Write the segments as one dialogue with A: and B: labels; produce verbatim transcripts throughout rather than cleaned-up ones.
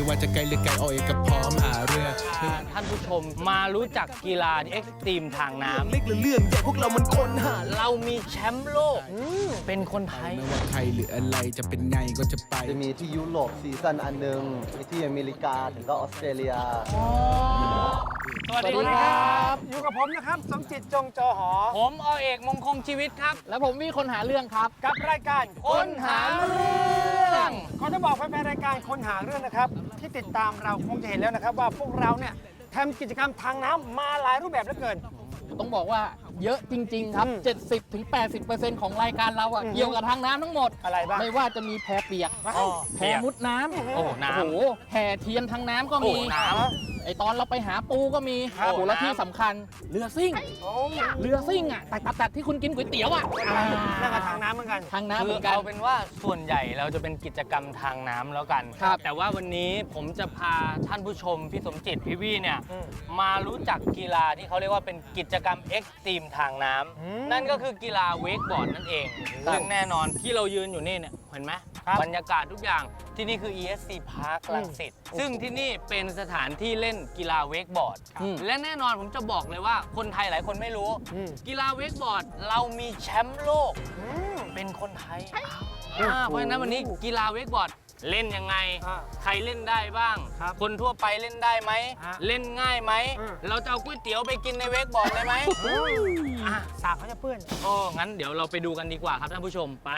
A: ว่าจะไกลหรือไกลเอาเองก็พร้อมหาเรื่อง
B: ท่านผู้ชมมารู้จักกีฬาเอ็กซ์ตรีมทางน้ำ
A: เล็กหรือเรื่องใหญ่พวกเรามันคนหา
B: เรามีแชมป์โลกเป็นคนไทย
A: ไม่ว่าใครหรืออะไรจะเป็นไงก็จะไป
C: จะมีที่ยุโรปซีซั่นอันหนึ่งมีที่อเมริกาถึงก็ออสเตรเลีย
B: สวัสดีครับ
D: อยู่กับผมนะครับสมจิตจงจอหอ
B: ผมอเอกมงคงชีวิตครับ
E: และผมมีคนหาเรื่องครับ
D: กับรายการ
B: คนหาเรื่อง
D: ขอจะบอกแฟนๆรายการคนหาเรื่องนะครับที่ติดตามเราคงจะเห็นแล้วนะครับว่าพวกเราเนี่ยทำกิจกรรมทางน้ำมาหลายรูปแบบเหลือเกิน
E: ต้องบอกว่าเยอะจริงๆครับ เจ็ดสิบถึงแปดสิบเปอร์เซ็นต์ ของรายการเราอะเกี่ยวกับทางน้ำทั้งหมด
D: อะไรบ้าง
E: ไม่ว่าจะมีแพเปียกแพมุดน้ำ
B: โอ้น้ำ
E: โอ้โหแห่เทียนทางน้ำก็มี
B: น้ำ
E: ไอตอนเราไปหาปูก็มี
B: ครับ
E: โอ้โหและที่สำคัญเรือซิ่ง
D: โอ้
E: เรือซิ่งอะตัดตัดตัดที่คุณกินก๋วยเตี๋ยวอะ
D: นั่นก็ทางน้ำเหมือนกัน
E: ทางน้ำ
B: คื
E: เหมื
B: อ
E: อนกัน
B: เอาเป็นว่าส่วนใหญ่เราจะเป็นกิจกรรมทางน้ำแล้วกัน
E: ครับ
B: แต่ว่าวันนี้ผมจะพาท่านผู้ชมพี่สมจิตพี่วี่เนี่ยมารู้จักกีฬาที่เขาเรียกว่าเป็นกิจกรรมเอ็กซ์ตรีมทางน้ำนั่นก็คือกีฬาเวกบอร์ดนั่นเองซึ่งแน่นอนที่เรายืนอยู่นี่เนี่ยเห็นไหมบรรยากาศทุกอย่างที่นี่คือ อี เอส ซี Park รังสิตซึ่งที่นี่เป็นสถานที่เล่นกีฬาเวกบอร์ดและแน่นอนผมจะบอกเลยว่าคนไทยหลายคนไม่รู้ กีฬาเวกบอร์ดเรามีแชมป์โลกเป็นคนไทยอ่าเพราะฉะนั้นวันนี้กีฬาเวกบอร์ดเล่นยังไง ใครเล่นได้บ้าง คนทั่วไปเล่นได้ไหมเล่นง่ายไหมเราจะเอาก๋วยเตี๋ยวไปกินในเวกบอร์ดได้ไหม
D: อ่ะสากเขาจะเปื้อน
B: โอ้งั้นเดี๋ยวเราไปดูกันดีกว่าครับท่านผู้ชมไป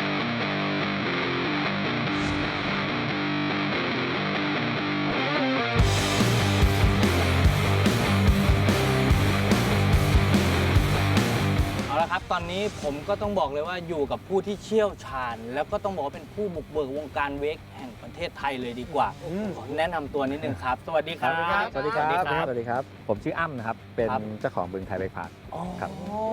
B: เอาละครับตอนนี้ผมก็ต้องบอกเลยว่าอยู่กับผู้ที่เชี่ยวชาญแล้วก็ต้องบอกว่าเป็นผู้บุกเบิกวงการเวกแห่งประเทศไทยเลยดีกว่าขอแนะนำตัวนิดนึงครับสวัสดีครับ
F: สวัสดีครับ
B: สวัสดีครับ
F: สวัสดีครับ ผมชื่ออ้ำนะครับ เป็น
B: ครับ
F: เจ้าของบึงไทยเบรกพาร์คครับ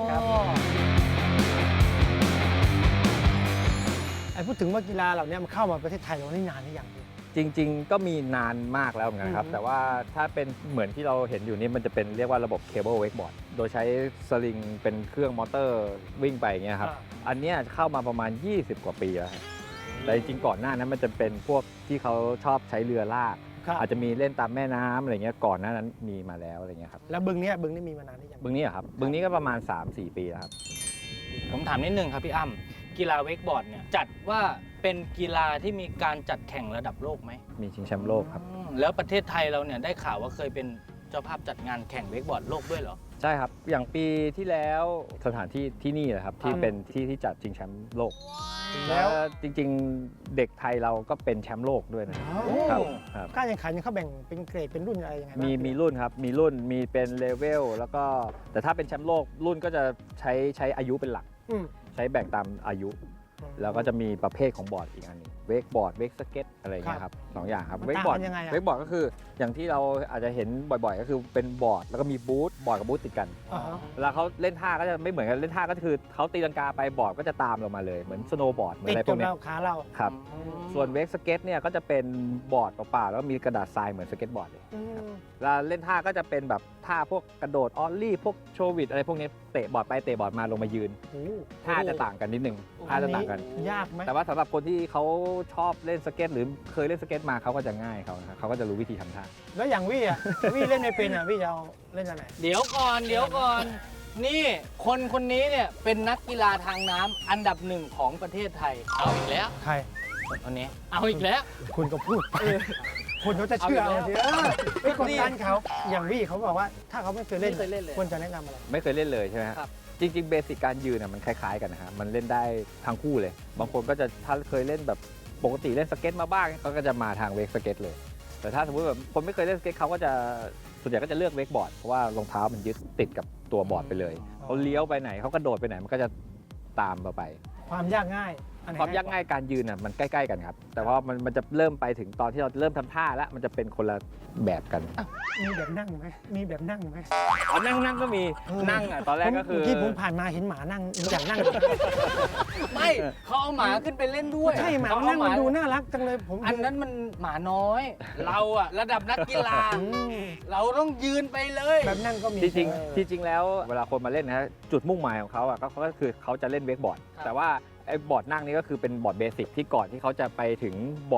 D: ไอ้พูดถึงว่ากีฬาเหล่านี้มันเข้ามาประเทศไทยเรานี่นานหรือยัง
F: จริงๆ ก็มีนานมากแล้วเหมือนกันครับ
D: อืม
F: แต่ว่าถ้าเป็นเหมือนที่เราเห็นอยู่นี่มันจะเป็นเรียกว่าระบบเคเบิลเวกบอร์ด โดยใช้สลิงเป็นเครื่องมอเตอร์วิ่งไปอย่างเงี้ยครับ อันเนี้ยเข้ามาประมาณ ยี่สิบ กว่าปีแล้วครับแต่จริงๆ ก่อนหน้านั้นมันจะเป็นพวกที่เขาชอบใช้เรือลาก
D: ครับ
F: อาจจะมีเล่นตามแม่น้ำอะไรเงี้ย ก่อนหน้านั้นมีมาแล้วอะไรเงี้ยครับ
D: แล้วบึงเนี้ยบึงนี่มีมานานหรือยัง
F: บึงนี้อะครับ บึงนี้ก็ประมาณ สามสี่ ปีแล้วครับ
B: ผมถามนิดนึงครับพี่อ้ำกีฬาเวกบอร์ดเนี่ยจัดว่าเป็นกีฬาที่มีการจัดแข่งระดับโลกไหม
F: มีชิงแชมป์โลกครับ
B: อืมแล้วประเทศไทยเราเนี่ยได้ข่าวว่าเคยเป็นเจ้าภาพจัดงานแข่งเวกบอร์ดโลกด้วยเหรอ
F: ใช่ครับ อย่างปีที่แล้วสถานที่ที่นี่แหละครับที่เป็นที่ที่จัดชิงแชมป์โลก แล้วจริงๆเด็กไทยเราก็เป็นแชมป์โลกด้วยนะครับครับ
D: การแข่งขันเนี่ยเขาแบ่งเป็นเกรดเป็นรุ่นอะไรยังไงบ้าง
F: มีมีรุ่นครับ มีรุ่นมีเป็นเลเวลแล้วก็แต่ถ้าเป็นแชมป์โลกรุ่นก็จะใช้ใช้อายุเป็นหลัก
D: อืม
F: ใช้แบ่งตามอายุ แล้วก็จะมีประเภทของบอร์ดอีกอันหนึงเวกบอร์ดเวกสเก็ตอะไรอย่างเงี้ยครับสองอย่างครับ
D: มัน
F: เวก
D: ต่าง
F: บอร์ด
D: กันยังไงอะ
F: เวกบอร์ดก็คืออย่างที่เราอาจจะเห็นบ่อยๆ ก็คือเป็นบอร์ดแล้วก็มีบูธบอร์ดกับบูธติดกัน
D: อ่าฮะ
F: เวลาเขาเล่นท่าก็จะไม่เหมือนกันเล่นท่าก็คือเขาตีลังกาไปบอร์ดก็จะตามเรามาเลยเหมือนสโนว์บอร์ดเหมือน
D: ติด
F: อะไรพ
D: จ
F: วก
D: น
F: เนี้ย
D: เราขาเรา
F: ครับ ส่วนเวกสเก็ตเนี่ยก็จะเป็นบอร์ดเปล่าๆแล้วมีกระดาษทรายเหมือนสเก็ตบอร์ดเลย
D: อืม
F: เวลาเล่นท่าก็จะเป็นแบบท่าพวกกระโดดออลลี่พวกโชวิดอะไรพวกนี้เตะบอร์ดไปเตะบอร์ดมาลงมายืน
D: โอ้
F: ท่าจะต่างกันนิดนึงท่าจะต่างกัน
D: ยากไหม
F: แต่ว่าสำหรับคนที่เขาชอบเล่นสเก็ตหรือเคยเล่นสเก็ตมาเขาก็จะง่ายเขานะครับเขาก็จะรู้วิธีทำท่า
D: แล้วอย่างวี่อ่ะ วี่เล่นไม่เป็นอ่ะวี่จะเอาเล่นอะไร
B: เดี๋ยวก่อนเดี๋ยวก่อน นี่คนคนนี้เนี่ยเป็นนักกีฬาทางน้ำอันดับหนึ่งของประเทศไทยเอาอีกแล้ว
D: ใคร
B: คนนี้เอาอีกแล้ว
D: คุณก็พูดไปคุณเขาจะเชื่อ
B: เอา
D: เอา
B: อี
D: สิ
B: กแล้ว
D: เออไม่กดดันเขาอย่างวี่เขาบอกว่าถ้าเขาไม่เคยเล่น
B: ไม่เคยเล่นเลย
D: ควรจะแนะนำอะไร
F: ไม่เคยเล่นเลยใช่ไหมฮะ
B: ครับ
F: จริง ๆ เบสิกการยืนน่ะมันคล้ายๆกันนะฮะมันเล่นได้ทั้งคู่เลย บางคนก็จะถ้าเคยเล่นแบบปกติเล่นสเก็ตมาบ้างเขาก็จะมาทางเวกสเก็ตเลย แต่ถ้าสมมติแบบคนไม่เคยเล่นสเก็ตเขาก็จะส่วนใหญ่ก็จะเลือกเวกบอร์ดเพราะว่ารองเท้ามันยึดติดกับตัวบอร์ดไปเลยเขาเลี้ยวไปไหนเขากระโดดไปไหนมันก็จะตามเราไป
D: ความยากง่ายอันไหน
F: ความยากง่ายการยืนน่ะมันใกล้ๆกันครับ แต่ว่ามันมันจะเริ่มไปถึงตอนที่เราเริ่มทำท่าแล้วมันจะเป็นคนละแบบกัน
D: มีแบบนั่งไหมมีแบบนั่งไหม
F: อ๋อนั่งนั่งก็มีนั่งอ่ะตอนแรกก็คือ
D: เมื่อกี้ผมผ่านมาเห็นหมานั่งอยากนั่ง
B: ไม่เขาเอาหมาขึ้นไปเล่นด้วย
D: ใช่หมา
B: เข
D: นั่ง
B: เอ
D: มันดูน่ารักจังเลยผม
B: อันนั้นมันหมาน้อย เราอะระดับนักกีฬา
D: อืม
B: เราต้องยืนไปเลย
D: แบบนั่งก็มี
F: จริง
D: เออ
F: ๆที่จริงแล้วเวลาคนมาเล่นนะฮะจุดมุ่งหมายของเขาอ่ะก็ก็คือเขาจะเล่นเวกบอร์ด แต่ว่าไอ้บอร์ดนั่งนี่ก็คือเป็นบอร์ดเบสิกที่ก่อนที่เขาจะไปถึงบอร์ด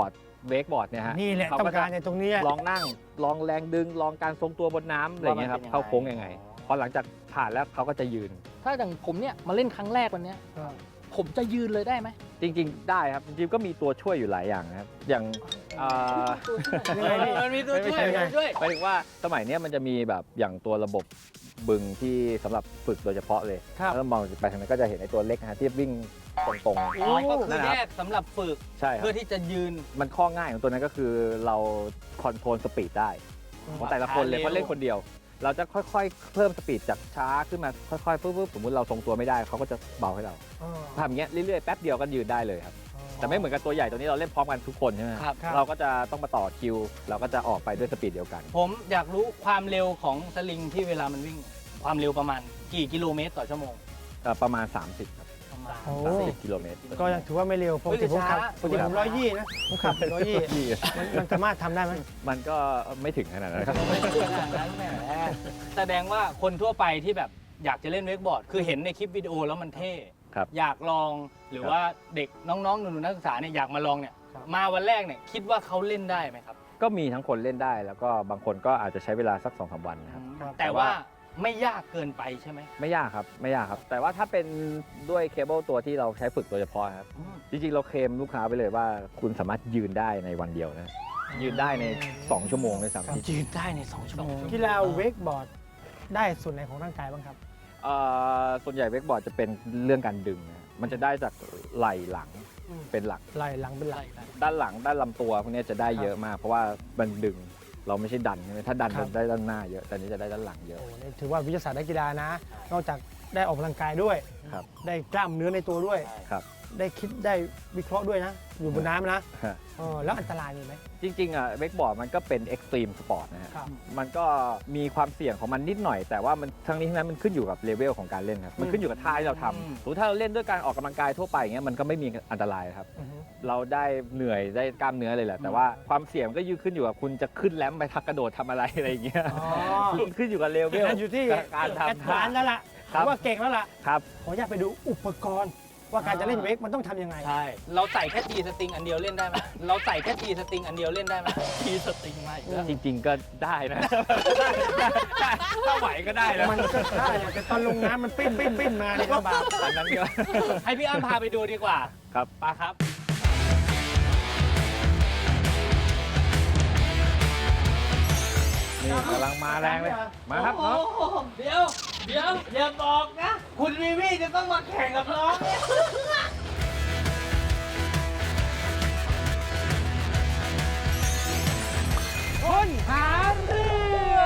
F: เวกบอร์ดเนี่ยฮะ
D: นี่แหละ
F: เขา
D: ต้อง
F: ก็
D: การ
F: จะ
D: ในตรงเนี้ย
F: ลองนั่งลองแรงดึงลองการทรงตัวบนน้ำอะไรอย่างเงี้ยครับ
B: ว่ามันเป็นยังไง
F: เข้าโค้งยังไงพอหลังจากผ่านแล้วเขาก็จะยืน
E: ถ้าอย่างผมเนี่ยมาเล่นครั้งแรกวันเนี้ย
D: อ่า
E: ผมจะยืนเลยได้ไหม
F: จริงๆ ได้ครับ จริงๆ ก็มีตัวช่วยอยู่หลายอย่างนะครับ อย่างอ่า
D: ยังไงพี่
B: มันมีตัวช่วย
F: ไม่ใช่
B: ตัวช่วย
F: หมายถึงว่าสมัยเนี้ยมันจะมีแบบอย่างตัวระบบบึงที่สำหรับฝึกโดยเฉพาะเลย
D: ครับ
F: แล้วมองไปทางนั้นก็จะเห็นไอ้ตัวเล็กนะฮะที่วิ่งตรง
B: อ๋อก็คือ
F: นั่นแหละ
B: แย
F: ครับ
B: กสำหรับฝึก
F: ใช่ครั
B: เพื่อบ ที่จะยืน
F: มันข้อง่ายของตัวนั้นก็คือเราคอนโทรลสปีดได้ของแต่ละคนเลย
B: ช้าเร็ว
F: เพราะเล่นคนเดียว เราจะค่อยๆ เพิ่มสปีดจากช้าขึ้นมาค่อยๆปุ๊บๆสมมติเราทรงตัวไม่ได้เขาก็จะเบาให้เรา
D: อ๋อ
F: ทำอย่างเงี้ยเรื่อยๆแป๊บเดียวก็ยืนได้เลยครับแต่ไม่เหมือนกับตัวใหญ่ตัวนี้เราเล่นพร้อมกันทุกคนใช่ไหม
B: ครับ
F: เราก็จะต้องมาต่อคิว เราก็จะออกไปด้วยสปีดเดียวกัน
B: ผมอยากรู้ความเร็วของสลิงที่เวลามันวิ่ง ความเร็วประมาณกี่กิโลเมตรต่อชั่วโมง
F: เอ่อประมาณ สามสิบครับ
B: ประมาณ
D: โอ้
F: สามสิบกิโลเมตร
D: ก็ยังถือว่าไม่เร็วปกติผมขับ
B: ช้า
D: ปกติผมร้อยยี่นะผมขับเป็นร้อยยี่
F: ที่
D: มันมันสามารถทำได้ไหม
F: มันก็ไม่ถึงขนาดนั้นครับ
B: ไม่ถึงขนาดนั้นแหมแสดงว่าคนทั่วไปที่แบบอยากจะเล่นเวกบอร์ด คือเห็นในคลิปวิดีโอแล้วมันเท่
F: ครับ
B: อยากลองหรือว่าเด็กน้องๆหนูๆนักศึกษาเนี่ยอยากมาลองเนี่ย
D: ครับ
B: มาวันแรกเนี่ยคิดว่าเขาเล่นได้ไหมครับ
F: ก็มีทั้งคนเล่นได้แล้วก็บางคนก็อาจจะใช้เวลาสัก สองสาม วันนะครับ
B: แต่ว่าไม่ยากเกินไปใช่ไหม
F: ไม่ยากครับไม่ยากครับ แต่ว่าถ้าเป็นด้วยเคเบิลตัวที่เราใช้ฝึกโดยเฉพาะครับ
B: อืม
F: จริงๆ เราเคลมลูกค้าไปเลยว่าคุณสามารถยืนได้ในวันเดียวนะ ยืนได้ใน สอง ชั่วโมงด้วยซ้ำที่
B: ยืนได้ในสองชั่วโมง
D: กีฬาเวกบอร์ดได้ส่วนไหนของร่างกายบ้างครับ
F: เอ่อส่วนใหญ่เวกบอร์ดจะเป็นเรื่องการดึงนะมันจะได้จากไหล่หลัง
D: อืม
F: เป็นหลัก
D: ไหล่หลังเป็นหลัก
F: ด้านหลังด้านลำตัวพวกนี้จะได้เยอะมาก เพราะว่ามันดึงเราไม่ใช่ดันใช่ไหมถ้าดัน
D: ครั
F: จะ
D: บ
F: ได้ด้านหน้าเยอะแต่อันนี้จะได้ด้านหลังเยอะ
D: โอ้นี่ถือว่าวิทยาศาสตร์นักกีฬานะ นอกจากได้ออกกำลังกายด้วย
F: ครับ
D: ได้กล้ามเนื้อในตัวด้วย
F: ครับ
D: ได้คิดได้วิเคราะห์ด้วยนะ อยู่บนน้ำนะ
F: ฮะ
D: เออแล้วอันตรายมีไหม
F: จริงๆอ่ะเวกบอร์ดมันก็เป็นเอ็กซ์ตรีมสปอร์ตนะฮะ
D: ครับ
F: มันก็มีความเสี่ยงของมันนิดหน่อย แต่ว่ามันทั้งนี้ทั้งนั้นมันขึ้นอยู่กับเลเวลของการเล่นครับมันขึ้นอยู่กับท่าที่เราท
B: อืม
F: ำสมมติถ้าเราเล่นด้วยการออกกำลังกายทั่วไปอย่างเงี้ยมันก็ไม่มีอันตรายครับ
D: อือฮึ
F: เราได้เหนื่อยได้กล้ามเนื้อเลยแหละแต่ว่าความเสี่ยงก็ยืขึ้นอยู่กับคุณจะขึ้นแรมป์ไปทักกระโดดทำอะไรอะไรอย่างเงี้ย
D: อ๋อ
F: ขึ้นอยู่กับเลเวล
D: อยู่ที่
F: การ
D: แอด
F: ทำ
D: วานซ์แล้วล่ะ
F: ครับ
D: ถือว่าเก่งแล้วล่ะ
F: ครับ
D: ขออนุญาตไปดูอุปกรณ์ ว่าการจะเล่นเวกมันต้องทำยังไง
B: ใช่ เราใส่แค่ทีสตริงอันเดียวเล่นได้ไหมเราใส่แค่ทีสตริงอันเดียวเล่นได้ไหมทีสตริงไม่
F: จริง ๆ ก็ได้นะ ถ้าไหวก็ได้นะ
D: มันก็ได้แหละแต่ตอนลงน้ำมันปิ้นปิ้นปิ้นมาเนี่ยลำบาก
F: อันนั้นก็
B: ให้พี่อ้ำพาไปดูดีกว่า
F: ครับ
B: ปาครับ
F: นี่กำลังมาแรงเลย มาครับน้อง
B: โอ้โหเดี๋ยว เดี๋ยวอย่าบอกนะ คุณวีวี่จะต้องมาแข่งกับน้องเนี่ย
D: คนหาเรื่อง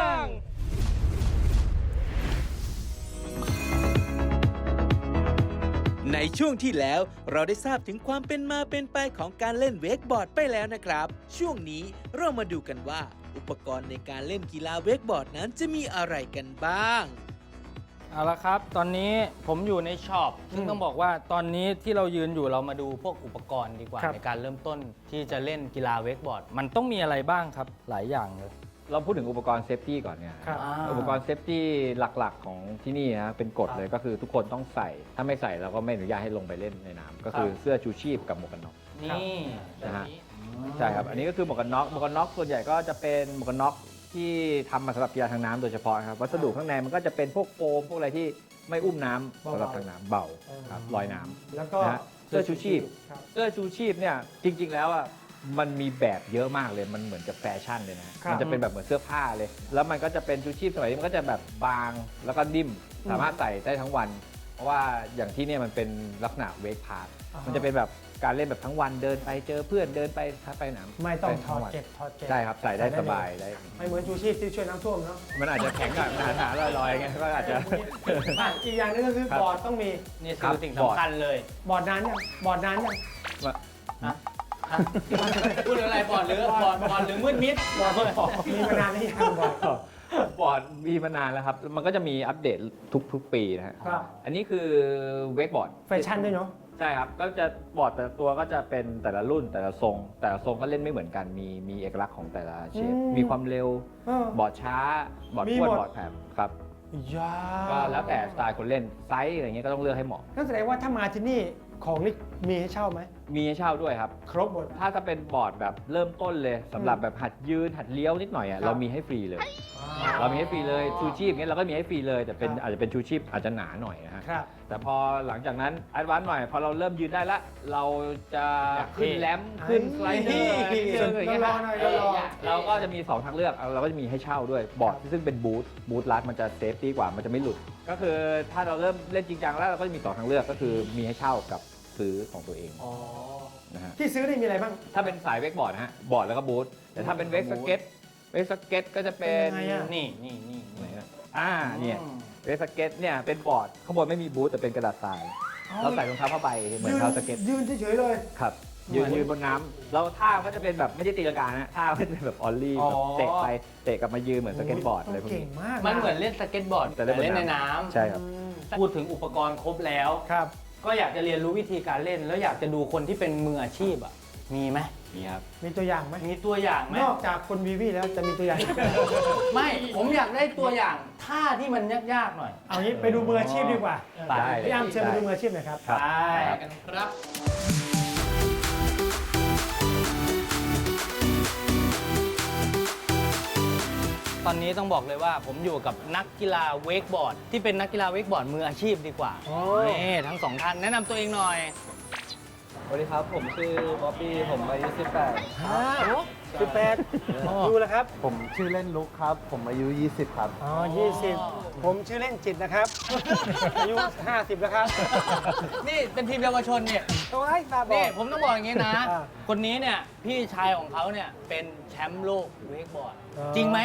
G: ในช่วงที่แล้วเราได้ทราบถึงความเป็นมาเป็นไปของการเล่นเวกบอร์ดไปแล้วนะครับ ช่วงนี้เรามาดูกันว่า อุปกรณ์ในการเล่นกีฬาเวกบอร์ดนั้นจะมีอะไรกันบ้าง
B: เอาละครับ ตอนนี้ผมอยู่ในช็อปซึ่งต้องบอกว่าตอนนี้ที่เรายืนอยู่เรามาดูพวกอุปกรณ์ดีกว่า
D: ครับ
B: ในการเริ่มต้นที่จะเล่นกีฬาเวกบอร์ด มันต้องมีอะไรบ้างครับ หลายอย่างเลย
F: เราพูดถึงอุปกรณ์เซฟตี้ก่อนเนี่ย
D: ครับ
F: อุปกรณ์เซฟตี้หลักๆของที่นี่นะเป็นกฎเลยก็คือทุกคนต้องใส่ ถ้าไม่ใส่เราก็ไม่อนุญาตให้ลงไปเล่นในน้ำก็คือเสื้อชูชีพกับหมวกกันน็อก
B: นี่
F: นะฮะ
B: แบบนี้
F: ใช่ครับ อันนี้ก็คือหมวกกันน็อก หมวกกันน็อกส่วนใหญ่ก็จะเป็นหมวกกันน็อกที่ทำมาสำหรับกีฬาทางน้ำโดยเฉพาะครับ วัสดุข้างในมันก็จะเป็นพวกโฟมพวกอะไรที่ไม่อุ้มน้ำสำหรับทางน้ำเบาครับลอยน้ำ
D: แล้วก็
F: นะฮะเสื้อชูชีพ
D: ครับ
F: เสื้อชูชีพเนี่ยจริง ๆ แล้วอ่ะมันมีแบบเยอะมากเลย มันเหมือนจะแฟชั่นเลยนะ
D: ครับ
F: มันจะเป็นแบบเหมือนเสื้อผ้าเลย แล้วมันก็จะเป็นชูชีพสมัยนี้มันก็จะแบบบางแล้วก็นิ่ม สามารถใส่ได้ทั้งวัน เพราะว่าอย่างที่เนี่ยมันเป็นลักษณะเวกพาร์ท
D: อ่าฮะ
F: มันจะเป็นแบบการเล่นแบบทั้งวันเดินไปเจอเพื่อนเดินไปทัไปหนาม
D: ไม่ต้อง
F: ด้
D: ถอด
F: ทั้วัน
D: เก็บถอดเก็บ
F: ใช่ครับใส่ได้
D: ใส่ได้
F: สบายได้
D: ไม่เหมือนชูชีพที่ช่วยน้ำท่วมเนาะ
F: มันอาจจะแข็งกับหนาๆลอยๆไงก็อาจจะ
D: อ่ะอีกอย่างหนึงก็คือ
F: ครับ
D: บอร์ดต้องมี
B: นี่
F: ครั
B: คื
F: บ
B: อสิ่ง
F: บอร์ด
B: สำคัญเลย
D: บอร์ดนานยังบอร์ดนานยัง
B: ฮะพูดถึงอะไรบอร์ดหรือบอร์ดบอร์ดหรือมืดมิด
D: บอร์ดมีมานานหรือยังบอร์ด
F: บอร์ดมีมานานแล้วครับ มันก็จะมีอัปเดตทุกๆ ปีนะฮะ
D: ครับ
F: อันนี้คือเวกบอร์ด
D: แฟชั่นด้วยเนาะ
F: ใช่ครับ ก็จะบอร์ดแต่ละตัวก็จะเป็นแต่ละรุ่นแต่ละทรง แต่ละทรงก็เล่นไม่เหมือนกัน มีมีเอกลักษณ์ของแต่ละเชฟ
D: อืม
F: มีความเร็ว
D: เออบ
F: อร์ดช้า บอร์ด
D: มี
F: อ้วน
D: หมด
F: บอร์ดแผ่ครับ
D: ยา
F: ก็แล้วแต่สไตล์คนเล่น ไซส์อะไรเงี้ยก็ต้องเลือกให้เหมาะ
D: นั่นแสดงว่าถ้ามาที่นี่ของนี่มีให้เช่าไหม
F: มีให้เช่าด้วยครับ
D: ครบหมด
F: ถ้าจะเป็นบอร์ดแบบเริ่มต้นเลยสำหรับแบบหัดยืนหัดเลี้ยวนิดหน่อยอ่ะ
D: ครับ
F: เรามีให้ฟรีเลย เรามีให้ฟรีเลยชูชีพเงี้ยเราก็มีให้ฟรีเลยแต่เป็น
D: ครับ
F: อาจจะเป็นชูชีพอาจจะหนาหน่อยนะฮะ
D: ครับ
F: แต่พอหลังจากนั้นแอดวานซ์หน่อยพอเราเริ่มยืนได้ละเราจะ
B: อยากเท่
F: ขึ้นแรมป์ขึ้นสไลเดอร์อะไรนิดนึงอย่างเงี้ย
D: รอหน่อยรอ
F: เราก็จะมีสองทางเลือกเราก็จะมีให้เช่าด้วยบอร์ดซึ่งเป็นบูธบูธรัดมันจะเซฟตี้กว่ามันจะไม่หลุด ก็คือถ้าเราเริ่มเล่นจริงจังแล้วเราก็จะมีสองทางเลือกก็คือมีให้เช่ากับซื้อของตัวเอง
D: อ๋อ
F: นะฮะ
D: ที่ซื้อนี่มีอะไรบ้าง
F: ถ้าเป็นสายเวกบอร์ดนะฮะบอร์ดแล้วก็บูธแต่ถ้าเป็นเวกสเก็ตเวกสเก็ตก็จะเป็น
D: เป็นยังไงอะ
B: นี่นี่นี่
F: ไหนอะอ่าเนี่ยเวกสเก็ตเนี่ยเป็นบอร์ดข้างบนไม่มีบูธแต่เป็นกระดาษทรายเราใส่รองเท้าผ้าใบเหมือนเท้าสเก็ต
D: ยืนเฉยๆเลย
F: ครับยืนยืนบนน้ำแล้วท่าก็จะเป็นแบบไม่ใช่ตีลังกานะท่าก็จะเป็นแบบออลลี่
B: อ๋อ
F: แบบเตะไปเตะกลับมายืนเหมือนสเก็ตบอร์ดอะไรพวก
D: เก่ง
F: นี้
D: มาก
B: มันเหมือนเล่นสเก็ตบอร์ด
F: แต่
B: แต่
F: เล่นบน
B: เล่นใน
F: น้ำ
B: น้ำ
F: ใช่ครับ
B: พูดถึงอุปกรณ์ครบแล้ว
D: ครับ
B: ก็อยากจะเรียนรู้วิธีการเล่น แล้วอยากจะดูคนที่เป็นมืออาชีพอ่ะมีไหม
F: นี่ครับ
D: มีตัวอย่างไหม
B: มีตัวอย่างไหม
D: นอกจากคนวีวีแล้วจะมีตัวอย่างอีกไหม
B: ไม่ผมอยากได้ตัวอย่างท่าที่มันยากๆหน่อย
D: เอางี้ไปดูมืออาชีพดีกว่า
F: ได้
D: พี่อ้ำเชิญไปดูมืออาชีพหน่อยครับ
F: ครับ
B: ใช่
E: กันครับ
B: ตอนนี้ต้องบอกเลยว่าผมอยู่กับนักกีฬาเวกบอร์ด ที่เป็นนักกีฬาเวกบอร์ดมืออาชีพดีกว่า
D: โอ้
B: นี่ทั้งสองท่านแนะนำตัวเองหน่อย
C: สวัสดีครับ ผมชื่อบ๊อบบี้ ผมอายุสิบแปด
D: ฮะสิบแปดดูแล้วครับ
C: ผมชื่อเล่นลุกครับ ผมอายุยี่สิบครับ
D: อ๋อยี่สิบผมชื่อเล่นจิตนะครับ อายุห้าสิบแล้วครับ
B: นี่เป็นทีมเยาวชนเนี่ย
D: โอ้ยตาบอ
B: นี่
D: ด
B: ผมต้องบอกอย่างนี้นะ
D: อ่า
B: คนนี้เนี่ยพี่ชายของเขาเนี่ยเป็นแชมป์โลกเวกบอร์ด
D: อ๋อ
B: จริงไหม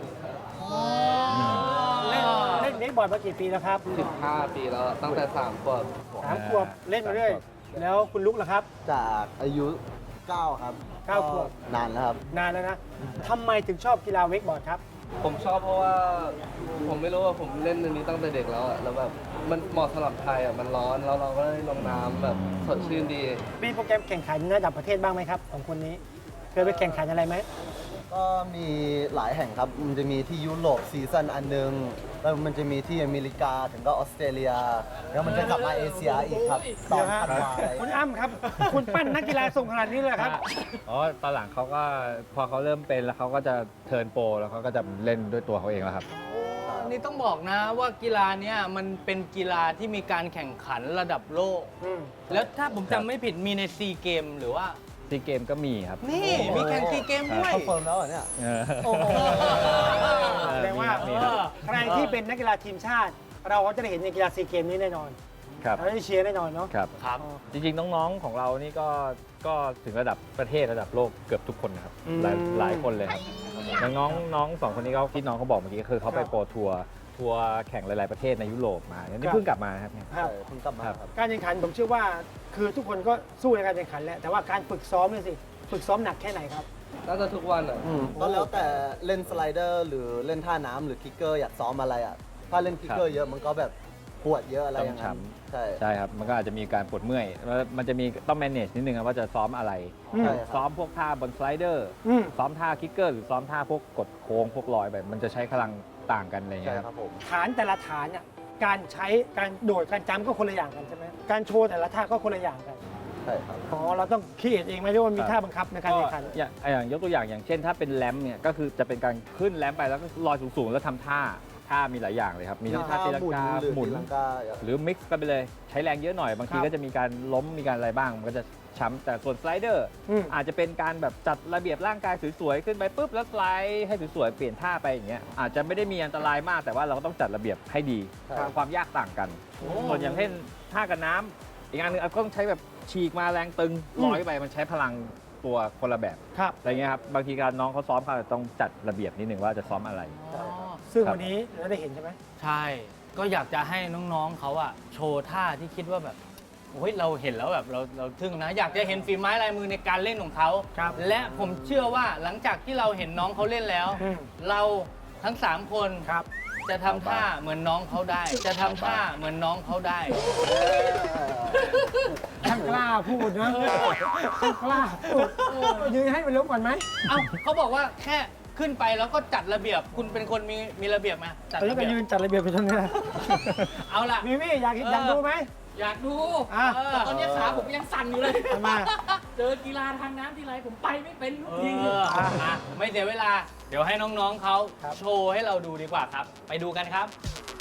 D: เล่นเล่นเวกบอร์ดมากี่ปีแล้วครับ
C: สิบห้าปีแล้ว ตั้งแต่สามขวบ
D: สามขวบเล่นมาเรื่อยแล้วคุณลุกล่ะครับ
C: จากอายุเก้าครับ
D: เก้าขวบ
C: นานแล้วครับ
D: นานแล้วนะทำไมถึงชอบกีฬาเวกบอร์ดครับ
H: ผมชอบเพราะว่าผมไม่รู้ว่าผมเล่นอันนี้ตั้งแต่เด็กแล้วอะแล้วแบบมันเหมาะสำหรับไทยอะมันร้อนแล้วเราก็ได้ลงน้ำแบบสดชื่นดี
D: มีโปรแกรมแข่งขันระดับประเทศบ้างไหมครับของคนนี้เคยไปแข่งขันอะไรไหม
C: ก็มีหลายแห่งครับ มันจะมีที่ยุโรปซีซั่นอันหนึง แล้วมันจะมีที่อเมริกาถึงก็ออสเตรเลีย แล้วมันจะกลับมาเอเชียอีกครับตอนธันวาอะไร
D: คุณอ้ำครับ คุณปั้นนักกีฬาส่งขนาดนี้เลยเหรอครับ
F: อ๋อตอนหลังเขาก็พอเขาเริ่มเป็นแล้วเขาก็จะเทิร์นโปรแล้วเขาก็จะเล่นด้วยตัวเขาเองแล้วครับ
B: นี่ต้องบอกนะว่ากีฬาเนี้ยมันเป็นกีฬาที่มีการแข่งขันระดับโลก
D: อืม
B: แล้วถ้าผมจำไม่ผิดมีในซีเกมหรือว่า
F: ซีเกมก็มีครับ
B: นี่มีแข่งซีเกมด้วย
C: เขาเฟิร์มแล้วเหรอเนี่ย
F: เออ
D: โอ้โหแสดงว่า
F: มีครับ
D: ใครที่เป็นนักกีฬาทีมชาติ เราก็จะได้เห็นในกีฬาซีเกมนี้แน่นอน
F: ครับ
D: เราได้เชียร์แน่นอนเนาะ
F: ครับ
B: ครับ
F: จริงๆ น้องๆ ของเรานี่ก็ก็ถึงระดับประเทศระดับโลกเกือบทุกคนนะครับ
D: อืม
F: หลายหลายคนเลยครับอย่างน้องน้องสองคนนี้เขาที่น้องเขาบอกเมื่อกี้ก็คือเขาไป
D: ครับ
F: โปรทัวร์ทัวร์แข่งหลาย ๆ ประเทศในยุโรปมานี่
D: ครับ
F: เพิ่งกลับมานะครับเนี่ย
D: ครับ
C: ใช่เพิ่งกลับมาครับ
D: การแข่งขันผมเชื่อว่าคือทุกคนก็สู้ในการแข่งขันแหละแต่ว่าการฝึกซ้อมเนี่ยสิฝึกซ้อมหนักแค่ไหนครับ
H: น่าจะทุกวันอะ
C: อืมก็แล้วแต่เล่นสไลเดอร์หรือเล่นท่าน้ำหรือคิกเกอร์อยากซ้อมอะไรอ่ะ ถ้าเล่นคิกเกอร์เยอะมันก็แบบปวดเยอะอะไรอย่างนั้นใช่
F: ใช่ครับ มันก็อาจจะมีการปวดเมื่อยแล้วมันจะมีต้อง manage นิดนึงครับว่าจะซ้อมอะไร
D: อืม
C: ใช่ครับ
F: ซ้อมพวกท่าบนสไลเดอร์
D: อืม
F: ซ้อมท่าคิกเกอร์หรือซ้อมท่าพวกกดโค้งพวกลอยแบบมันจะใช้พลังต่างกันอะไรอย่าง
C: ใช่
F: เงี้ย
C: ค
F: ค
C: รั
F: รั
C: บบ ผม
D: ฐานแต่ละฐานเนี่ยการใช้การโดดการจ้ำก็คนละอย่างกันใช่ไหมการโชว์แต่ละท่าก็คนละอย่างกัน
C: ใช่ครับ
D: อ๋อเราต้องคิดเองไหมหรือว่ามีท่าบังคับในการแข่งขัน
F: อย่างอย่างยกตัวอย่างอย่างเช่นถ้าเป็นแรมป์เนี่ยก็คือจะเป็นการขึ้นแรมป์ไปแล้วก็ลอยสูงๆแล้วทำท่าท่ามีหลายอย่างเลยครับมีทั้งท่าตีลังกา
C: หรือ
F: หมุน
C: ตีลังกา
F: หรือมิกซ์กันไปเลยใช้แรงเยอะหน่อยบางที
D: ครับ
F: ก็จะมีการล้มมีการอะไรบ้างมันก็จะช้ำแต่ส่วนสไลเดอร์
D: อืม
F: อาจจะเป็นการแบบจัดระเบียบร่างกายสวยๆขึ้นไปปุ๊บแล้วสไลด์ให้สวยๆเปลี่ยนท่าไปอย่างเงี้ยอาจจะไม่ได้มีอันตรายมากแต่ว่าเราก็ต้องจัดระเบียบให้ดี
C: ครับ
F: ความยากต่างกัน ส่วนอย่างเช่นท่ากันน้ำอีกอันหนึงอาจจะต้องใช้แบบฉีกมาแรงตึงลอยไปมันใช้พลังตัวคนละแบบ
D: ครับ
F: อะไรเงี้ยครับบางทีการน้องเขาซ้อมเขาอาจจะต้องจัดระเบียบนิดหนึ่งว่าจะซ้อมอะไร
D: ซึ่ง
F: ครับ
D: วันนี้เราได้เห็นใช่ไหม
B: ใช่ ก็อยากจะให้น้องๆเขาอะโชว์ท่าที่คิดว่าแบบโอ้ยเราเห็นแล้วแบบเราเราทึ่งนะ อยากจะเห็นฝีไม้ลายมือในการเล่นของเขา
D: ครับ
B: และผมเชื่อว่าหลังจากที่เราเห็นน้องเขาเล่นแล้ว
D: อืม
B: เราทั้งสามคน
D: ครับ
B: จะทำท่าเหมือนน้องเขาได้ จะทำท่าเหมือนน้องเขาได้
D: ช่างกล้าพูดนะช่างกล้าพูดยืนให้มันล้มก่อนไหม
B: เอ้าเขาบอกว่าแค่ขึ้นไปแล้วก็จัดระเบียบ คุณเป็นคนมีมีระเบียบไหมจัด
D: ตอนนี้
B: ระ
D: ก็
B: เบียบ
D: ยืนจัดระเบียบไปตรงนี้นะ
B: เอาล่ะ
D: มีมี่อยากอยากดูไหม
E: อยากดู
D: อ่ะ
E: แต่ตอนนี้ขาผมยังสั่นอยู่เลย
D: ทำไม
E: เจอกีฬาทางน้ำทีไรผมไปไม่เป็นทุกที
B: เอออ่ะไม่เสียเวลา เดี๋ยวให้น้องๆเขาโชว์ให้เราดูดีกว่าครับ ไปดูกันครับ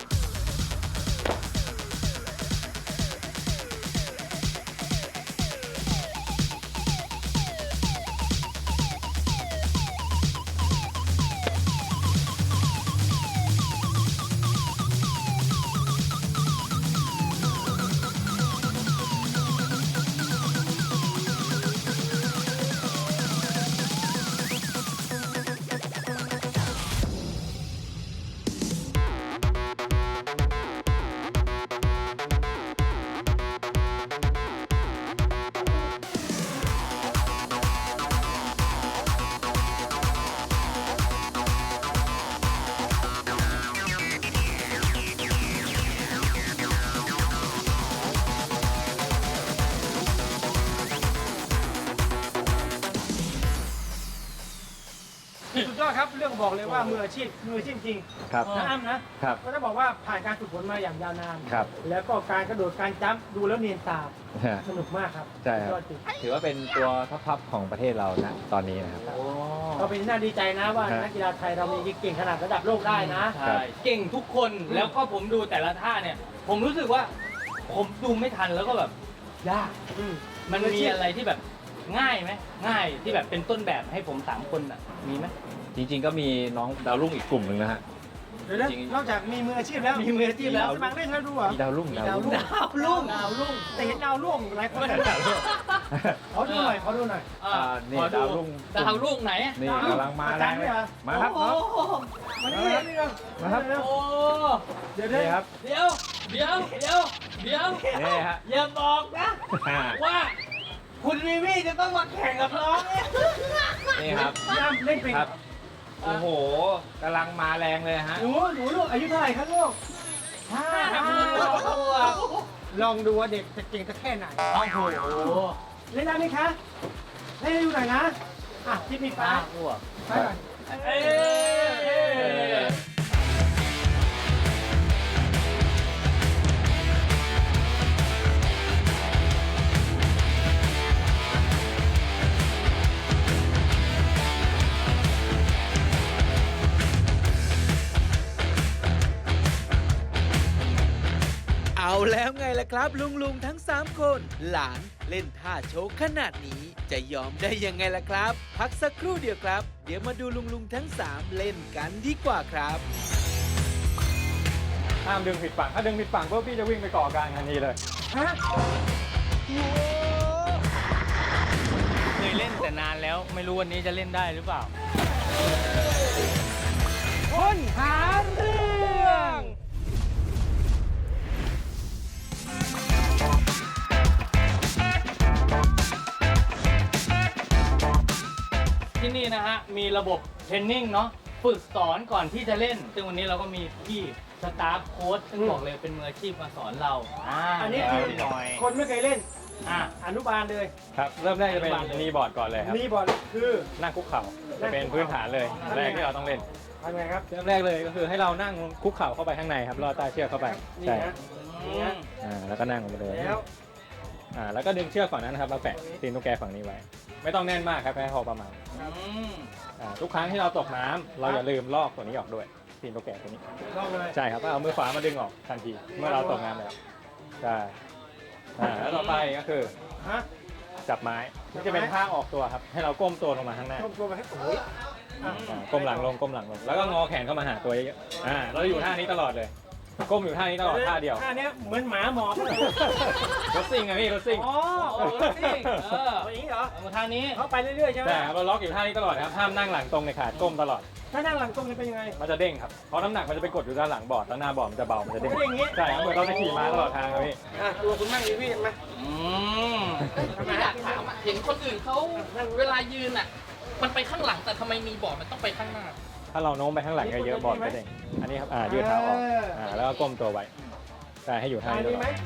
D: สุดยอดครับเรื่องบอกเลยว่ามืออาชีพมืออาชีพจริง
F: ครับ
D: นะอ้ำนะครับ ก็ต้องบอกว่าผ่านการฝึกฝนมาอย่างยาวนาน
F: ครับ
D: แล้วก็การกระโดดการจัมป์ดูแล้วเนียนตา
F: ฮะ
D: สนุกมากครับ
F: ใช่ครับ
D: ยอดจริง
F: ถือว่าเป็นตัวท็อปๆของประเทศเรานะตอนนี้นะครับ
D: ก็เป็นน่าดีใจนะว่า
F: ครับ
D: นักกีฬาไทยเรามีเก่งขนาดระดับโลกได้นะ
F: ครั
B: ใช่
F: บ
B: เก่งทุกคนแล้วก็ผมดูแต่ละท่าเนี่ย ผมรู้สึกว่า ผมดูไม่ทันแล้วก็แบบยาก
D: อืม
B: มันมีอะไรที่แบบง่ายไหมง่ายที่แบบเป็นต้นแบบให้ผมสามคนอ่ะมีไหม
F: จริงๆก็มีน้องดาวรุ่งอีกกลุ่มหนึ่งนะฮะ
D: เดี๋ยวนะ
F: จริง
D: นอกจากมีมืออาชีพแล้ว
B: มีมืออาชีพแล้ว
D: สมัครเล่นแล้วดูเหรอ
F: มีดาวรุ่งดาวรุ่ง
B: ดาวรุ่ง
D: ดาวรุ่งแต่เห็นดาวรุ่งหลายคนเขาดูหน่อยเขาดูหน่อย
B: อ่า
F: อ่านี่
B: ขอ
F: ดาวรุ่ง
B: ดาวรุ่งไหน
F: นี่กำลังมา
D: อา
F: แร
D: จาร
F: ง
D: ย์
F: เล
D: เนี่ย ยเหรอ
F: มาครับ
B: โอ้
F: น้อง
B: โห
D: มานี่นี่เรา
F: มาครับ
B: โอ้
D: เดี๋ยวเดี๋
F: นี่
D: ยว
F: ครับ
B: เดี๋ยวเดี๋ยวเดี๋ยวเดี๋ยว
F: นี่ฮะ
B: อย่าบอกนะ
F: อ่า
B: ว่า คุณวิวี่จะต้องมาแข่งกับน้องเนี่ย
F: นี่ครับ
D: พี่อ้ำเล่นเป็น
F: ครับ โอ้โหกำลังมาแรงเลยฮะ
D: หนูหนูลูกอายุเท่าไหร่ครับลูกห้า
B: ห้าขวบ
D: ลองดูว่าเด็กจะเก่งสักแค่ไหน
B: โอ้โห
D: เล่นได้ไหมคะเล่นให้ดูหน่อยนะอ่ะที่มีฟ้า
B: ห้าขวบ
D: ฟ้าก่อน
B: เอ้ย
G: เอาแล้วไงล่ะครับ ลุงลุงๆทั้ง สาม คน หลานเล่นท่าโชว์ขนาดนี้ จะยอมได้ยังไงล่ะครับ พักสักครู่เดียวครับ เดี๋ยวมาดูลุงลุงๆทั้ง สาม เล่นกันดีกว่าครับ
F: ห้ามดึงผิดฝั่ง ถ้าดึงผิดฝั่งปุ๊บพี่จะวิ่งไปก่อกลางทันทีเลย
D: ฮะ
B: เคยเล่นแต่นานแล้วไม่รู้วันนี้จะเล่นได้หรือเปล่า
D: คนหาเรื่อง
B: ที่นี่นะฮะ มีระบบเทรนนิ่งเนาะฝึกสอนก่อนที่จะเล่น ซึ่งวันนี้เราก็มีพี่สตาฟโค้ชซึ่งบอกเลยเป็นมืออาชีพมาสอนเราอ่า
D: อันนี้คือ
B: พี่หน่อย
D: คนไม่เคยเล่น
B: อ่ะ
D: อนุบาลเลย
F: ครับ เริ่มแรกจะเป็น
B: อนุบาลเลย
F: นีบอร์ดก่อนเลยครับ
D: นี่บอลคือ
F: นั่งคุกเข่า จะเป็นพื้นฐานเลย แรกที่เราต้องเล่น
D: ทำไงครับ
F: เริ่มแรกเลยก็คือให้เรานั่งคุกเข่าเข้าไปข้างในครับลอดใต้เชือกเข้าไป
D: นี่
F: ใช่
D: นะ
B: อืม
F: อ่าแล้วก็นั่งลงไปเลย
D: แล้ว
F: อ่าแล้วก็ดึงเชือกฝั่งนั้นนะครับมาแปะตีนตุ๊กแกฝั่งนี้ไว้ ไม่ต้องแน่นมากครับแค่พอประมาณ
B: อืม
F: อ่าทุกครั้งที่เราตกน้ำเราอย่าลืมลอกตัวนี้ออกด้วยตีนตุ๊กแกตัวนี้
D: ลองเลย
F: ใช่ครับก็เอามือขวามาดึงออกทันทีเมื่อเราตกน้ำแล้วใช่อ่าแล้วต่อไปก็คือ
D: ฮะ
F: จับไม้นี่จะเป็นท่าออกตัวครับให้เราก้มตัวลงมาข้างหน้า
D: ก้มตัวไปให้โอ้ย
F: อ่าก้มหลังลงก้มหลังลงแล้วก็งอแขนเข้ามาหาตัวเยอะๆอ่าเราอยู่ท่านี้ตลอดเลย ก้มอยู่ท่านี้ตลอดท่าเดียว
D: ท่าเนี้ยเหมือนหมาหมอบเลย
F: รถซิ่งอะพี่รถซิ่ง
D: อ๋อ
B: โอ้โหสิเออ
D: เอาอย่างนี้เหรอ
B: เอามาทางนี้
D: เขาไปเรื่อยๆใช่ไหม
F: ใช่ครับเราล็อกอยู่ท่านี้ตลอดครับห้ามนั่งหลังตรงในขาก้มตลอด
D: ถ้านั่งหลังตรงจะเป็นยังไง
F: มันจะเด้งครับเพราะน้ำหนักมันจะไปกดอยู่ด้านหลังบอร์ดแล้วหน้าบอร์ดมันจะเบามันจะเด้ง
D: มันจะเด้งอย่างงี้
F: ใช่ครับเหมือนเราจะขี่ม้าตลอดทางครับพี่
D: อ่ะตัวคุณนั่งดีพี่มา
B: อืม
E: พี่อยากถามอ่ะเห็นคนอื่นเขาเวลายืนอ่ะ มันไปข้างหลังแต่ทำไมมีบอร์ดมันต้องไปข้างหน้า
F: ถ้าเราโน้มไปข้างหลังเยอะๆบอร์ดจะเด้งอันนี้ครับอ่ายืดเท้าออกอ่าแล้วก็ก้มตัวไว้ใช่ให้อยู่ท่า
D: อัน
F: นี้ต
D: นี้
F: ล
D: ไหม
F: อด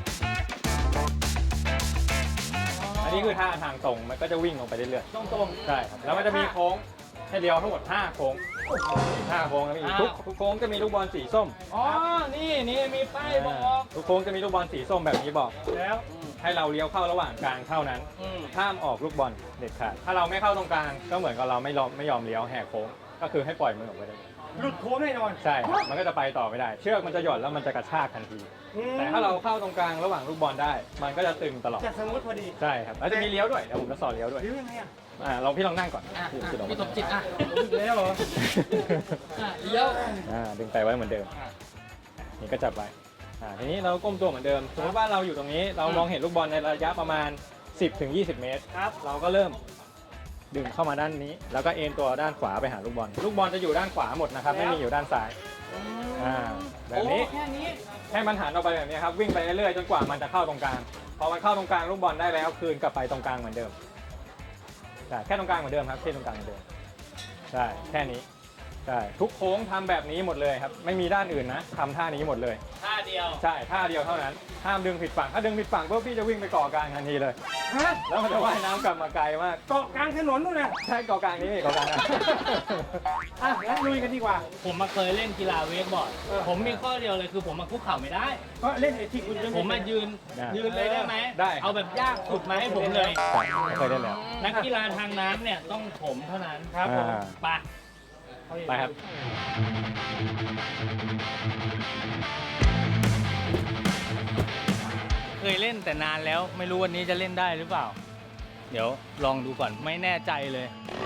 F: อันนี้คือท่าทางตรงมันก็จะวิ่งลงไปเรื่อย
D: ตรงตรง
F: ๆใช่ครับแล้วมันจะมีโค้งให้เดียวทั้งหมดห้าโค้ง
D: ห
F: ห้าโค้งครับพี่
B: อ่า
F: ทุกทุกโค้งจะมีลูกบอลสีส้ม
B: อ๋อ นี่นี่มีป้ายบอก
F: ทุกโค้งจะมีลูกบอลสีส้มแบบนี้บอก
D: แล้ว
F: ให้เราเลี้ยวเข้าระหว่างกลางเท่านั้น
B: อืม
F: ห้ามออกลูกบอลเด็ดขาด ถ้าเราไม่เข้าตรงกลางก็เหมือนกับเราไม่ยอมไม่ยอมเลี้ยวแหกโค้ง ก็คือให้ปล่อยมือออกไปเลย
D: หลุดโค้งแน่นอน
F: ใช่ครับมันก็จะไปต่อไม่ได้ เชือกมันจะหย่อนแล้วมันจะกระชากทันที
D: อืม
F: แต่ถ้าเราเข้าตรงกลางระหว่างลูกบอลได้ มันก็จะตึงตลอด
D: จะสมูทพอดี
F: ใช่ครับ แล้วจะมีเลี้ยวด้วย เดี๋ยวผมจะสอนเลี้ยวด้วย
D: หรือยังไงอ่ะ
F: อ่าลองพี่ลองนั่งก่อน
E: อ่ะ
F: พี่
E: อ่ะ
F: พี่ลอง
E: พี่สมจิตอ่ะ
D: แล้วเหรอ
E: อ่ะเลี้ยว
F: อ่าดึงไปไว้เหมือนเดิม นี่ก็จับไว้ อ่า ทีนี้เราก้มตัวเหมือนเดิม สมมติว่าเราอยู่ตรงนี้ เรามองเห็นลูกบอลในระยะประมาณ สิบถึงยี่สิบ เมตร
D: ครับ
F: เราก็เริ่มดึงเข้ามาด้านนี้ แล้วก็เอ็นตัวด้านขวาไปหาลูกบอล ลูกบอลจะอยู่ด้านขวาหมดนะครับ ไม่มีอยู่ด้านซ้าย อ่า แบบนี้
E: แค่นี้
F: ให้มันหันออกไปแบบนี้ครับ วิ่งไปเรื่อยๆจนกว่ามันจะเข้าตรงกลาง พอมันเข้าตรงกลางลูกบอลได้แล้วคืนกลับไปตรงกลางเหมือนเดิมใช่แค่ตรงกลางเหมือนเดิมครับแค่ตรงกลางเหมือนเดิมใช่แค่นี้ใช่ทุกโค้งทำแบบนี้หมดเลยครับ ไม่มีด้านอื่นนะทำท่านี้หมดเลย
B: ท่าเดียว
F: ใช่ท่าเดียวเท่านั้นห้ามดึงผิดฝั่งถ้าดึงผิดฝั่งปุ๊บพี่จะวิ่งไปเกาะกลางทันทีเลย
D: ฮะ
F: แล้วมันจะว่ายน้ำกลับมาไกลมาก
D: เกาะกลางถนนนู่นนะ
F: ใช่เกาะกลางนี้เกาะกลางนะ
D: อ่ะงั้นลุยกันดีกว่า
B: ผมมาเคยเล่นกีฬาเวกบอร์ด
D: เออ
B: ผมมีข้อเดียวเลยคือผมมาคุกเข่าไม่ได้
D: ก็เล่นไอ้ที่คุณจะ
B: ผมมายืน
F: ได้
B: ยืนเลยได้ไหม
F: ได้
B: เอาแบบยากสุดมาให้ผมเลย
F: ใช่เคยได้แล้ว
B: นักกีฬาทางน้ำเนี่ยต้องผมเท่านั้น
D: ครับผม
F: อ่า
B: ไป
F: ไปครับ
B: เคยเล่นแต่นานแล้วไม่รู้วันนี้จะเล่นได้หรือเปล่า เดี๋ยวลองดูก่อนไม่แน่ใจเลย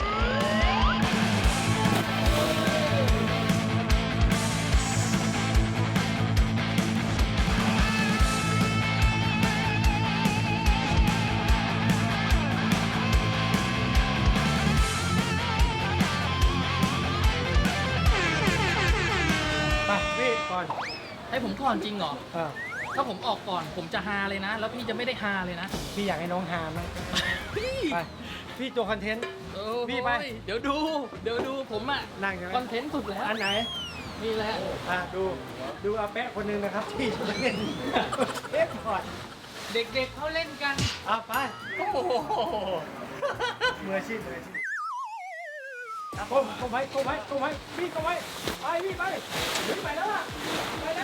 D: ไปพี่ก่อน
E: ให้ผมก่อนจริงเหรอ
D: เออ
E: ถ้าผมออกก่อนผมจะฮาเลยนะ แล้วพี่จะไม่ได้ฮาเลยนะ
D: พี่อยากให้น้องฮามั้ง
E: พี่
D: ไป พี่ตัวคอนเทนต์
E: โอ้โห
D: พี่ไป
E: เดี๋ยวดู เดี๋ยวดูผมอะ
D: นั่งใช่ไหม
E: คอนเทนต์สุดแล้ว
D: อันไหน
E: นี่แหละ
D: อ่ะดู ดูอาแปะคนหนึงนะครับ ที่จะเล่นเล่นก่อน
E: เด็กๆเขาเล่นกัน
D: อ่ะไป
E: โอ้โห
D: มืออาชีพมืออาชีพอ่ะก้มก้มไว้ก้มไว้ก้มไว้พี่ก้มไว้ไปพี่ไปพี่ไปแล้วล่ะไปแล้ว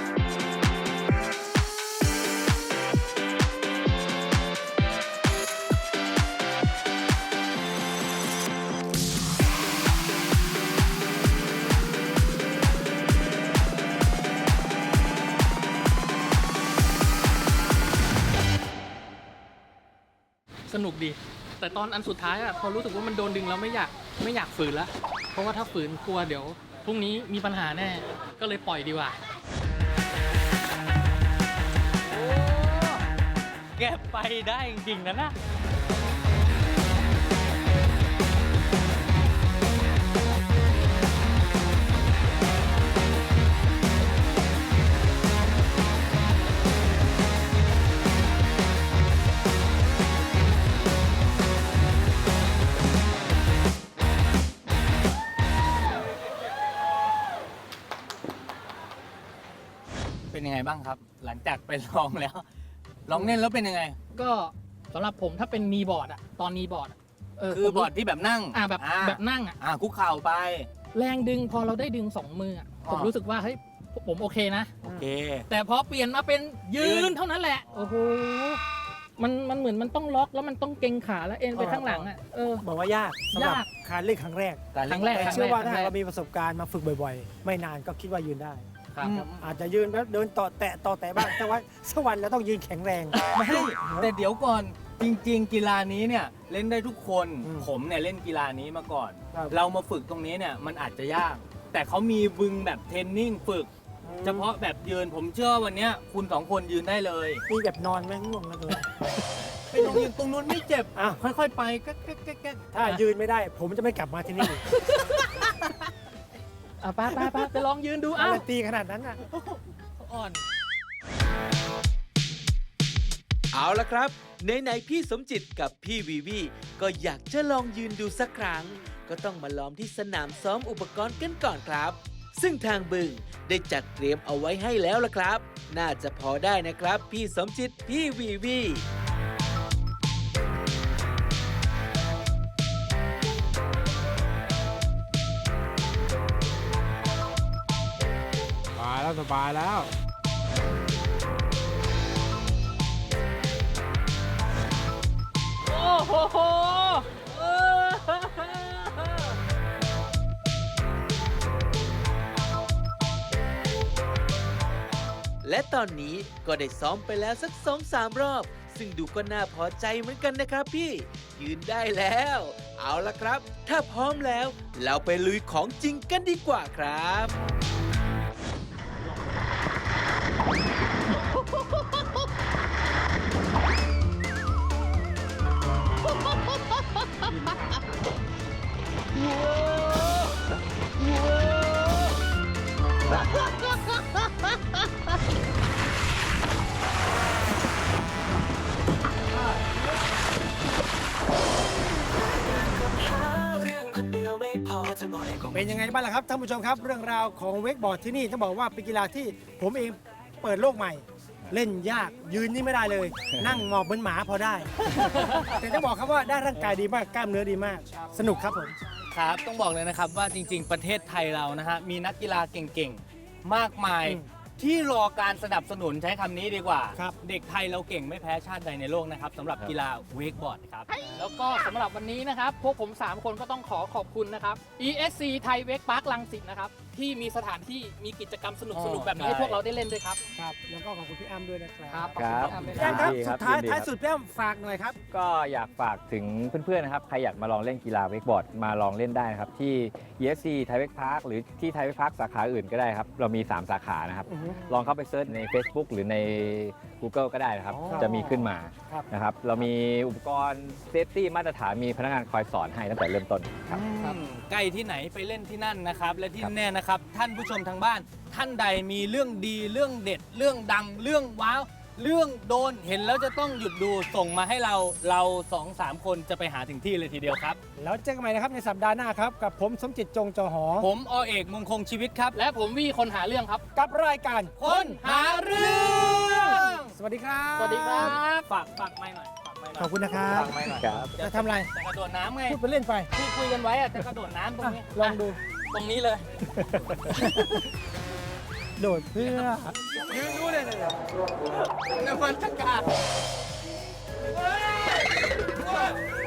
E: สนุกดี แต่ตอนอันสุดท้ายอะพอรู้สึกว่ามันโดนดึงแล้วไม่อยากไม่อยากฝืนละเพราะว่าถ้าฝืนกลัวเดี๋ยวพรุ่งนี้มีปัญหาแน่ ก็เลยปล่อยดีกว่า
B: แกไปได้จริงๆนะนะ เป็นยังไงบ้างครับ หลังจากไปลองแล้ว ลองเล่นแล้วเป็นยังไง
E: ก็สำหรับผมถ้าเป็นนีบอร์ดอะตอนนีบอร์ดอะเ
B: คือบอร์ดที่แบบนั่ง
E: อ่าแบบแบบนั่งอะ
B: อ่าคุกเข่าไป
E: แรงดึงพอเราได้ดึงสองมืออะผม
B: อ่ารู้
E: รู้สึกว่าเฮ้ยผมโอเคนะ
B: โอเค
E: แต่พอเปลี่ยนมาเป็นยื
B: ยื
E: น
B: น
E: เท่านั้นแหละ โอ้โห มันมันเหมือนมันต้องล็อกแล้วมันต้องเกรงขาแล้วเอ็นไปข้างหลังอ่ะ เออ
D: บอกว่ายากสำหรับ
E: ยาก
D: การเล่นครั้งแรก
B: การ
E: ค
B: เล่
E: รั้
B: น
E: งแรก
D: แต่
E: ครั้ง
D: เชื่อ
E: แรก
D: ว่า
E: ค
D: ถ้า
E: รั้งแร
D: เรา
E: ก
D: มีประสบการณ์มาฝึกบ่อยๆ ไม่นานก็คิดว่ายืนได้
E: ครับ
B: อืม
D: อาจจะยืนแล้วเดินต่อแตะต่อแตะบ้างแต่ว่าสักวันเราต้องยืนแข็งแรง
B: ไม่แต่เดี๋ยวก่อนจริง ๆ กีฬานี้เนี่ยเล่นได้ทุกคน
D: อืม
B: ผมเนี่ยเล่นกีฬานี้มาก่อน
D: ครับ
B: เรามาฝึกตรงนี้เนี่ยมันอาจจะยาก แต่เขามีบึงแบบเทรนนิ่งฝึก เฉพาะแบบยืนผมเชื่อว่าวันเนี้ยคุณสองคนยืนได้เลย
D: มีแบบนอนไหมง่วงแล้วเลย
B: ไปตรงยืนตรงนู้นไม่เจ็บ
D: อ่ะ
B: ค่อยๆไปก็ก็ก็ก็
D: ถ้ายืนไม่ได้ ผมจะไม่กลับมาที่นี่อีก
E: อ่ะไปไปไปไปลองยืนดู
D: อะ
E: เอ้า
D: ไรตีขนาดนั้นอ่ะ
E: อ่อน
G: เอาละครับไหนๆพี่สมจิตกับพี่วีวีก็อยากจะลองยืนดูสักครั้ง ก็ต้องมาล้อมที่สนามซ้อมอุปกรณ์กันก่อนครับ ซึ่งทางบึงได้จัดเตรียมเอาไว้ให้แล้วละครับ น่าจะพอได้นะครับ พี่สมจิตพี่วีวี
D: สบายแล้ว
E: โอ้โหเออ
G: และตอนนี้ก็ได้ซ้อมไปแล้วสักสองสามรอบ ซึ่งดูก็น่าพอใจเหมือนกันนะครับพี่ ยืนได้แล้ว เอาละครับ ถ้าพร้อมแล้ว เราไปลุยของจริงกันดีกว่าครับ
D: เป็นยังไงบ้างล่ะครับท่านผู้ชมครับ เรื่องราวของเวกบอร์ดที่นี่ต้องบอกว่าเป็นกีฬาที่ผมเองเปิดโลกใหม่ เล่นยากยืนนี่ไม่ได้เลย นั่งหมอบเหมือนหมาพอได้ แต่ต้องบอกครับว่าได้ร่างกายดีมากกล้ามเนื้อดีมาก สนุกครับผม
B: ครับ ต้องบอกเลยนะครับว่าจริง ๆ ประเทศไทยเรานะฮะมีนักกีฬาเก่งๆ มากมาย
D: อืม
B: ที่รอการสนับสนุนใช้คำนี้ดีกว่า
D: ครับ
B: เด็กไทยเราเก่งไม่แพ้ชาติใดในโลกนะครับสำหรับกีฬาเวกบอร์ดครับ
E: แล้วก็สำหรับวันนี้นะครับ พวกผม สาม คนก็ต้องขอขอบคุณนะครับ อี เอส ซี ไทยเวกพาร์คลังสิตนะครับ ที่มีสถานที่มีกิจกรรมสนุกๆ แบบนี้ให้พวกเราได้เล่นด้วยครับ
D: ครับแล้วก็ขอบคุณพี่อ้ำด้วยนะครับ
E: ครับ
F: ครับ
E: ขอบคุณ
D: พี่
E: พี่
D: อ้ำ
E: อ้ำ
D: ค
E: ด้วย
D: รับ
E: ครับ
D: สุดท้าย
F: ยินดี
D: ท้าย
F: ครับ
D: สุดพี่อ้ำฝากหน่อยครับ
F: ก็อยากฝากถึงเพื่อนๆนะครับ ใครอยากมาลองเล่นกีฬาเวกบอร์ดมาลองเล่นได้นะครับ ที่ อี เอส ซี ไทยเวกพาร์คหรือที่ไทยเวกพาร์คสาขาอื่นก็ได้ครับ เรามี สาม สาขานะครับ
D: อือฮึ
F: ลองเข้าไปเซิร์ชใน Facebook หรือใน Google ก็ได้นะครับ
D: อ๋อ
F: จะมีขึ้นมา
D: ครับ
F: นะครับ เรามีอุปกรณ์เซฟตี้มาตรฐานมีพนักงานคอยสอนให้ตั้งแต่เริ่มต้นครับ
B: อืมใกล้ที่ไหนไปเล่นที่นั่นนะครับ และที่
F: ครับ
B: แน่นะครับ ท่านผู้ชมทางบ้าน ท่านใดมีเรื่องดีเรื่องเด็ด เรื่องดังเรื่องว้าว เรื่องโดนเห็นแล้วจะต้องหยุดดูส่งมาให้เราเราสองสามคนจะไปหาถึงที่เลยทีเดียวครับ
D: แล้วเจอกันใหม่นะครับในสัปดาห์หน้าครับ กับผมสมจิตจงจอหอ
B: ผมอเอกมงคงชีวิตครับ
E: และผมวี่คนหาเรื่องครับ
D: กับรายการ
B: คนหาเรื่อง
D: สวัสดีครับ
E: สวัสดีครับ
B: ฝากฝากไม่หน่อยฝากไม่หน่อย
D: ขอบคุณนะครับ
F: ครับ
D: จะทำอะไร
B: จะกระโดดน้ำไง
D: พูดไปเล่นไป
B: ที่คุยกันไว้อะจะกระโดดน้ำตรงนี้
D: ลองดู
B: ตรงนี้เลย
D: โดดเพื่อ
B: ยืนดูเลยเลยนวัตกรรม